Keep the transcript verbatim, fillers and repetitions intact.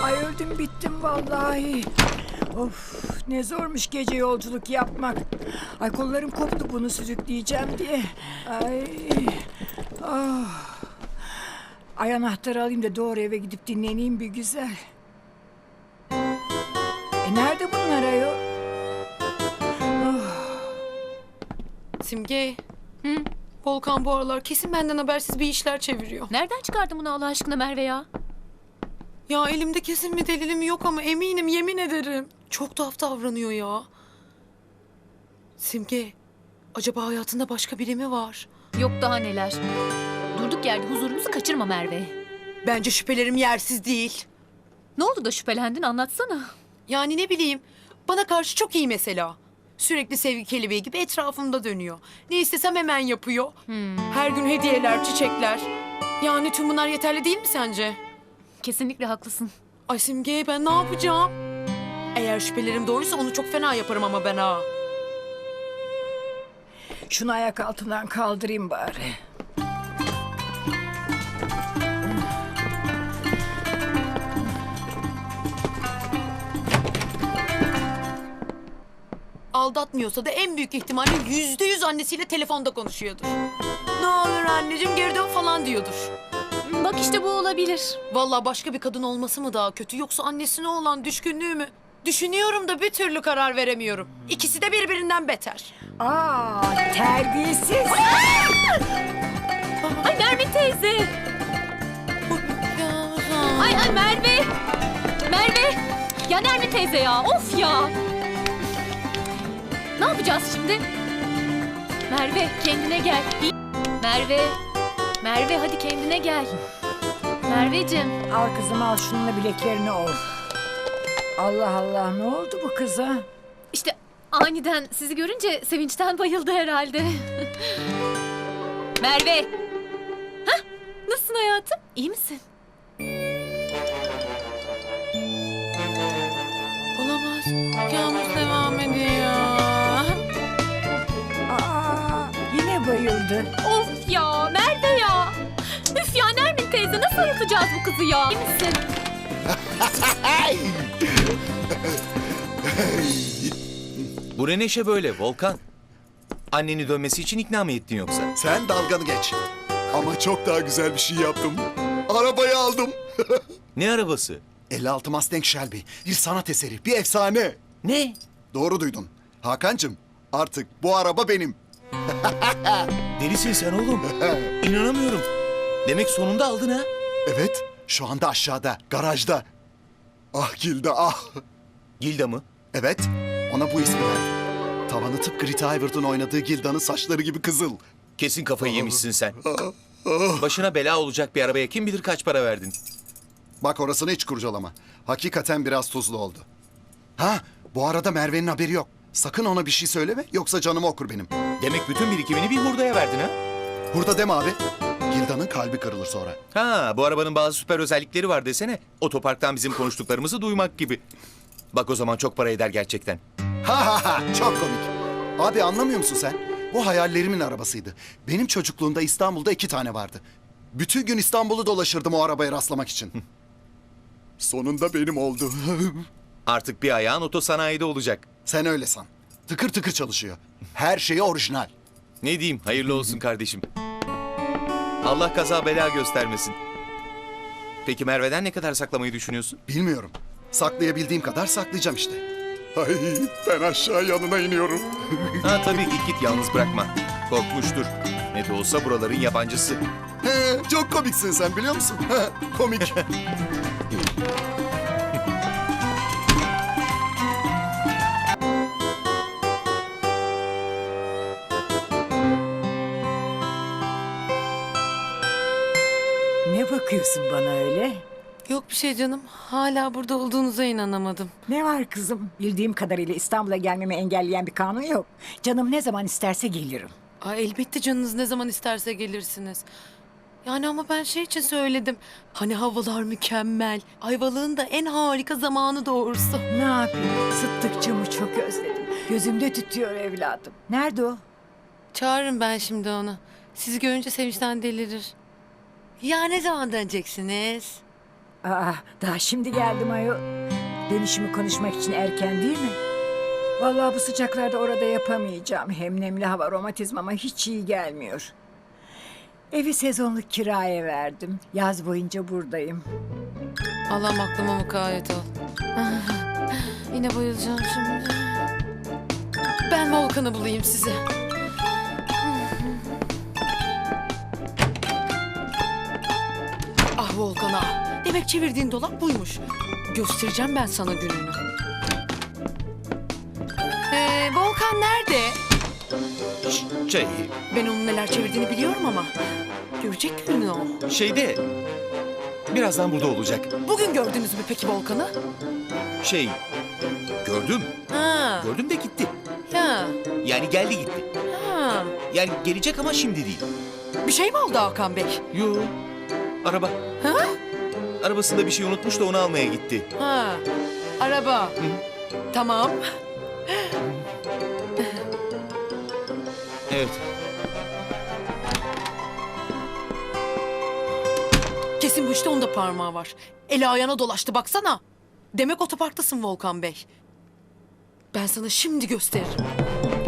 Ay öldüm bittim vallahi. Of ne zormuş gece yolculuk yapmak. Ay kollarım koptu bunu sürükleyeceğim diye. Ay. Ah. Ay anahtarı alayım da doğru eve gidip dinleneyim bir güzel. E nerede bunlar ayol? Oh. Simge. Hı? Volkan bu aralar kesin benden habersiz bir işler çeviriyor. Nereden çıkardın bunu Allah aşkına Merve ya? Ya elimde kesin bir delilim yok ama eminim, yemin ederim. Çok tuhaf davranıyor ya. Simge, acaba hayatında başka biri mi var? Yok daha neler. Durduk yerde huzurumuzu kaçırma Merve. Bence şüphelerim yersiz değil. Ne oldu da şüphelendin, anlatsana. Yani ne bileyim, bana karşı çok iyi mesela. Sürekli sevgi kelebeği gibi etrafımda dönüyor. Ne istesem hemen yapıyor. Hmm. Her gün hediyeler, çiçekler. Yani tüm bunlar yeterli değil mi sence? Kesinlikle haklısın. Ay Simge, ben ne yapacağım? Eğer şüphelerim doğruysa onu çok fena yaparım ama ben ha. Şunu ayak altından kaldırayım bari. Aldatmıyorsa da en büyük ihtimalle yüzde yüz annesiyle telefonda konuşuyordur. Ne olur anneciğim geri dön falan diyordur. Bak işte bu olabilir. Vallahi başka bir kadın olması mı daha kötü yoksa annesine olan düşkünlüğü mü? Düşünüyorum da bir türlü karar veremiyorum. İkisi de birbirinden beter. Aa terbiyesiz. Ay Merve teyze. Ay ay Merve. Merve. Ya Merve teyze ya, of ya. Ne yapacağız şimdi? Merve kendine gel. Merve. Merve hadi kendine gel. Merveciğim. Al kızım al şununla bileklerini ol. Allah Allah ne oldu bu kıza? İşte aniden sizi görünce sevinçten bayıldı herhalde. Merve. Hah, nasılsın hayatım? İyi misin? Olamaz. Kabus devam ediyor. Aa yine bayıldı. Of ya Merve ya. Üf ya Nermin teyze, nasıl ayıltacağız bu kızı ya? İyi misin? Bu ne neşe böyle Volkan? Anneni dönmesi için ikna mı ettin yoksa? Sen dalganı geç. Ama çok daha güzel bir şey yaptım. Arabayı aldım. Ne arabası? elli altı Mustang Shelby. Bir sanat eseri, bir efsane. Ne? Doğru duydun. Hakan'cığım artık bu araba benim. Delisin sen oğlum. İnanamıyorum. Demek sonunda aldın ha? Evet, şu anda aşağıda, garajda. Ah Gilda ah. Gilda mı? Evet, ona bu ismi verdim. Tavanı tıpkı Rita Hayworth'un oynadığı Gilda'nın saçları gibi kızıl. Kesin kafayı yemişsin sen. Başına bela olacak bir arabaya kim bilir kaç para verdin? Bak orasını hiç kurcalama. Hakikaten biraz tuzlu oldu. Ha, bu arada Merve'nin haberi yok. Sakın ona bir şey söyleme yoksa canımı okur benim. Demek bütün birikimini bir hurdaya verdin ha? Burada deme abi. Gilda'nın kalbi kırılır sonra. Ha, bu arabanın bazı süper özellikleri var desene. Otoparktan bizim konuştuklarımızı duymak gibi. Bak o zaman çok para eder gerçekten. Ha ha ha çok komik. Abi anlamıyor musun sen? Bu hayallerimin arabasıydı. Benim çocukluğumda İstanbul'da iki tane vardı. Bütün gün İstanbul'u dolaşırdım o arabaya rastlamak için. Sonunda benim oldu. Artık bir ayağın otosanayide olacak. Sen öyle san. Tıkır tıkır çalışıyor. Her şeyi orijinal. Ne diyeyim, hayırlı olsun kardeşim. Allah kaza bela göstermesin. Peki Merve'den ne kadar saklamayı düşünüyorsun? Bilmiyorum. Saklayabildiğim kadar saklayacağım işte. Ay ben aşağı yanına iniyorum. Ha tabii git git yalnız bırakma. Korkmuştur. Ne de olsa buraların yabancısı. He, çok komiksin sen biliyor musun? Komik. Ne bakıyorsun bana öyle? Yok bir şey canım. Hala burada olduğunuza inanamadım. Ne var kızım? Bildiğim kadarıyla İstanbul'a gelmemi engelleyen bir kanun yok. Canım ne zaman isterse gelirim. Ay elbette canınız ne zaman isterse gelirsiniz. Yani ama ben şey için söyledim. Hani havalar mükemmel. Ayvalık'ın da en harika zamanı doğrusu. Ne yapayım? Sıttıkçamı çok özledim. Gözümde tütüyor evladım. Nerede o? Çağırırım ben şimdi onu. Sizi görünce sevinçten delirir. Ya ne zaman döneceksiniz? Aa, daha şimdi geldim ayol. Dönüşümü konuşmak için erken değil mi? Vallahi bu sıcaklarda orada yapamayacağım. Hem nemli hava romatizmama hiç iyi gelmiyor. Evi sezonluk kiraya verdim. Yaz boyunca buradayım. Allah'ım aklıma mukayyet ol. Yine bayılacağım şimdi. Ben Volkan'ı bulayım size. Ah Volkan ah. Demek çevirdiğin dolap buymuş. Göstereceğim ben sana gününü. Ee, Volkan nerede? Ş- Şey, Ben onun neler çevirdiğini biliyorum ama. Görecek gününü o. şeyde... Birazdan burada olacak. Bugün gördünüz mü peki Volkan'ı? Şey, gördüm. Ha, Gördüm de gitti. ya, Yani geldi gitti. ha. Yani gelecek ama şimdi değil. Bir şey mi oldu Hakan Bey? Yo, araba. Ha? Arabasında bir şey unutmuş da onu almaya gitti. Ha, araba. Tamam. Evet. Kesin bu işte onda parmağı var. Eli ayağına dolaştı baksana. Demek otoparktasın Volkan Bey. Ben sana şimdi gösteririm.